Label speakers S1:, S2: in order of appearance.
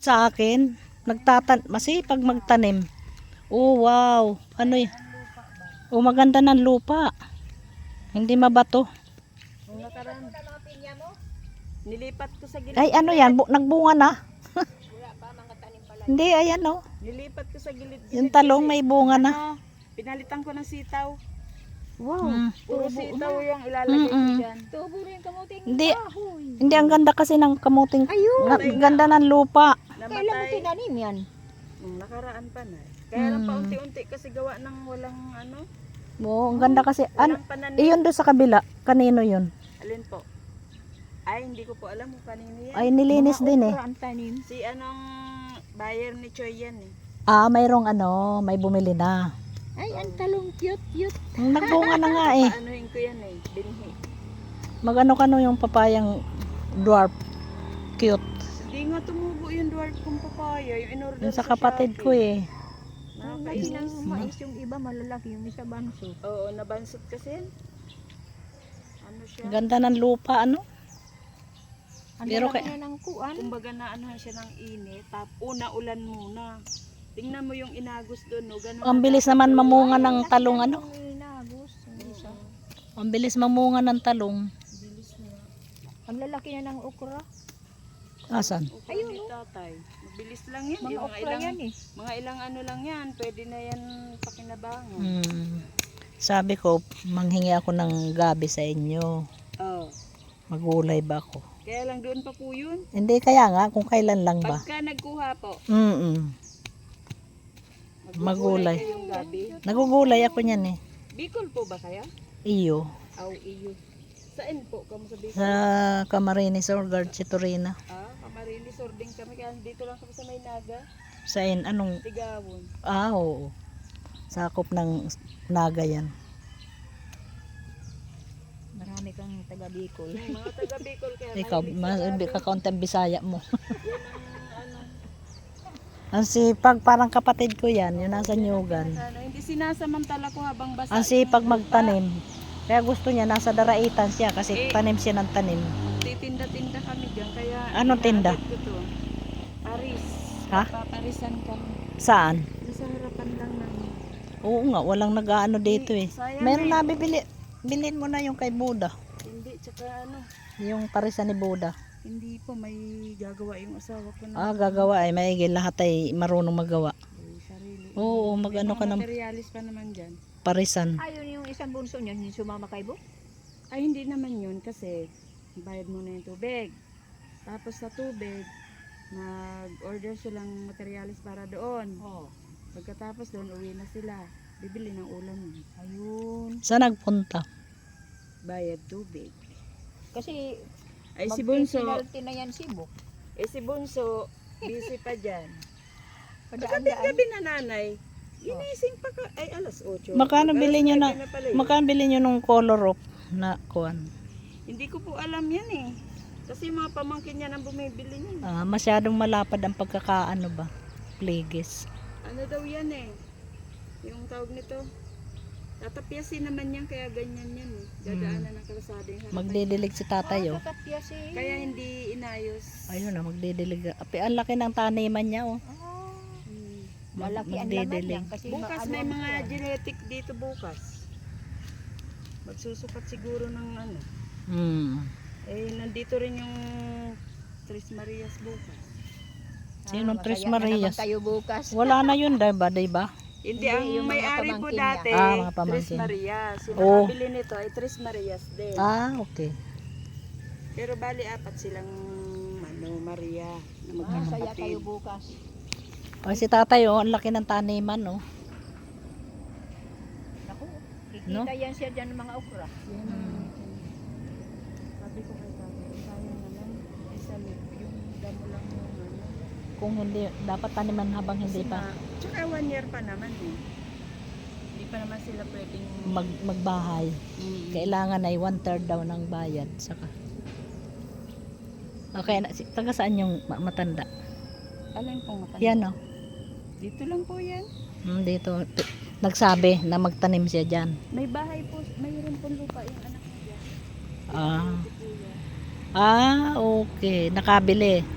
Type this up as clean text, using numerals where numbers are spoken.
S1: sa akin. Masipag magtanim. Oh, wow. Ano yun? Oh, maganda ng lupa. Hindi mabato.
S2: Nung nakaraan, nilipat ko sa gilid.
S1: Ay, ano yan? Nagbunga na. Hindi, ayan oh.
S2: Nilipat ko sa gilid.
S1: Yung talong may bunga na.
S2: Ano, pinalitan ko ng sitaw.
S1: Wow.
S2: Puro sitaw yung ilalagay ko dyan.
S3: Tubo rin kamuting
S1: Hindi.
S3: kahoy.
S1: Hindi, ang ganda kasi ng kamuting.
S3: Ayun.
S1: Ganda ng lupa.
S3: Kailan mo
S2: Namatay.
S3: tinanim yan?
S2: Nung nakaraan pa na. Kaya lang paunti-unti kasi gawa ng walang ano.
S1: Oo, ang ganda kasi. Ano,
S2: Walang pananim.
S1: iyon doon sa kabila. Kanino yun?
S2: Alin po? Ay, hindi ko po alam kung kanino yan.
S1: Ay, nilinis
S3: Mga
S1: din eh.
S3: okra ang tanim.
S2: Si anong buyer ni Choy yan eh.
S1: Ah, mayroong ano, may bumili na.
S3: Ay, ang talong cute.
S1: Nagbunga na nga eh.
S2: Paanuhin ko yan eh. Binhi.
S1: Magano-kano yung papayang dwarf. Cute.
S2: Hindi nga tumubo yung dwarf kong papaya. Yung in-order
S1: Yung sa kapatid ko eh.
S3: Ang laki
S2: Nakakainis.
S3: ng mais yung iba malalaki, yung isa banso.
S2: Oo, nabansot kasi yan. Ano siya?
S1: Ganda ng lupa, ano?
S3: Ang
S1: Pero
S3: laki
S1: kay-
S3: na ng kuan.
S2: Kumbaga na anuhan siya ng init. Una ulan muna. Tingnan mo yung inagos doon. No? Ganun
S1: Ang
S2: na
S1: bilis
S2: dapat
S1: naman
S2: gawin.
S1: mamunga ng talong, ano?
S3: Yung inagos, yung isa.
S1: Ang bilis mamunga ng talong.
S2: Bilis na.
S3: Ang lalaki na ng okra.
S1: Asan?
S2: Ayun ni tatay. Mabilis lang yan.
S3: Mga
S2: Yung mga
S3: okra
S2: ilang,
S3: yan eh.
S2: mga ilang ano lang yan. Pwede na yan pakinabangan.
S1: Sabi ko, manghingi ako ng gabi sa inyo.
S2: Oh.
S1: Magulay ba ako?
S2: Kaya lang doon pa po yun.
S1: Hindi, kaya nga, kung kailan lang ba.
S2: Pagka nagkuha po,
S1: Magulay.
S2: kayong gabi.
S1: Nagugulay ako niyan eh.
S2: Bicol po ba kaya?
S1: Iyo.
S2: Aw, iyo. Saan po? Kamu sa Bicol?
S1: Sa Camarines Orgard, Chitorina.
S2: Camarines Ording kami. Kaya dito lang kami sa Maynaga.
S1: Sain, anong?
S2: Tigawon.
S1: Oo. Sakop ng Naga yan.
S3: Marami kang taga Bicol.
S2: Mga taga Bicol kaya
S1: Ikaw,
S2: mahilig sa gabi.
S1: kakaunting Bisaya mo.
S2: Yan ang ano.
S1: Ang sipag, parang kapatid ko yan, yun nasa Nyugan.
S2: Ano, hindi sinasamantala ko habang basa.
S1: Ang sipag magtanim. Kaya gusto niya, nasa daraitan siya kasi tanim siya ng tanim.
S2: Titinda-tinda kami diyan kaya
S1: Anong tinda?
S2: inaabot ko to. Paris.
S1: Ha?
S2: Paparisan kami.
S1: Saan?
S2: Sa harapan lang namin.
S1: Oo nga, walang nag-aano dito eh.
S2: Sayang
S1: Meron
S2: eh.
S1: na bibili. Bilhin mo na yung kay Buda.
S2: Hindi, tsaka ano.
S1: Yung parisan ni Buda.
S2: Hindi po, may gagawa yung asawa ko na.
S1: Gagawa ay maigil. Lahat ay marunong magawa.
S2: Sarili.
S1: Oo, mag-ano ka ng
S2: Materialis pa naman dyan.
S1: parisan.
S3: Ayun yung isang bunso niyan, yung sumama kay Bo.
S2: Ay, hindi naman yun kasi bayad mo na yung tubig. Tapos sa tubig, nag-order silang materialis para doon.
S3: Oh.
S2: Pagkatapos doon, uwi na sila. Bibili ng ulam.
S3: Ayun.
S1: Saan nagpunta?
S2: Bayad tubig.
S3: Kasi
S2: Ay, si Bunso,
S3: magpipinalty na yan si Bo.
S2: si Bunso, busy pa dyan.
S3: Padaan-daan.
S2: Gabi na nanay. Ginising pa ka. Ay, alas 8.
S1: Magkano bili nyo na,
S2: pala yun.
S1: magkano bili nyo nung color of na kuan?
S2: Hindi ko po alam yan eh. Kasi mga pamangkin niya nang bumibili niya.
S1: Masyadong malapad ang pagkakaano ba? Pligis.
S2: Ano daw yan eh. Yung tawag nito. Tatapyasin naman yan kaya ganyan yan eh. Dadaanan ng kalsada yung harapan.
S1: Magdidilig si tatay oh.
S3: Kakapya si...
S2: Kaya hindi inayos.
S1: Ayun na, magdidilig. Api, ang laki ng taniman niya oh.
S2: Hmm.
S3: Malaki ang laman
S1: Magdidilig.
S3: yan. Kasi
S2: Bukas
S3: ano
S2: may
S3: ang
S2: mga
S3: kuwan.
S2: genetic dito bukas. Magsusukat siguro ng ano. Eh, nandito rin yung Tres Marias bukas.
S1: Sinong Tres
S3: masaya na naman
S1: Marias?
S3: kayo bukas.
S1: Wala na yun, diba? Diba?
S2: Hindi,
S3: Hindi,
S2: ang
S3: yung mga
S2: may-ari po
S3: pamangkin
S2: dati,
S1: mga
S2: Tres
S1: pamangkin.
S2: Marias. Yung
S1: Oh.
S2: nakabili nito ay Tres Marias din.
S1: Okay.
S2: Pero bali apat silang Maria na
S3: Masaya
S2: magkakapatid.
S3: kayo bukas.
S1: Si tatay oh, ang laki ng taniman oh.
S3: Naku, kikita
S1: No?
S3: yan siya dyan ng mga okra.
S2: Yan ang sabi ko kay tatay, sayang naman. Isa yung damo lang yung ano.
S1: Kung hindi, dapat taniman habang hindi
S2: Kasi
S1: pa
S2: tsaka 1 year pa naman eh. Hindi pa naman sila pwedeng
S1: magbahay. Kailangan ay 1/3 daw ng bayad. Saka. Okay, taga saan yung matanda?
S2: Alin pong matanda?
S1: Yan oh.
S2: Dito lang po yan.
S1: Dito, nagsabi na magtanim siya dyan.
S2: May bahay po, mayroon po lupa yung anak niya.
S1: Ah.
S2: Si Kuya.
S1: Okay. Nakabili.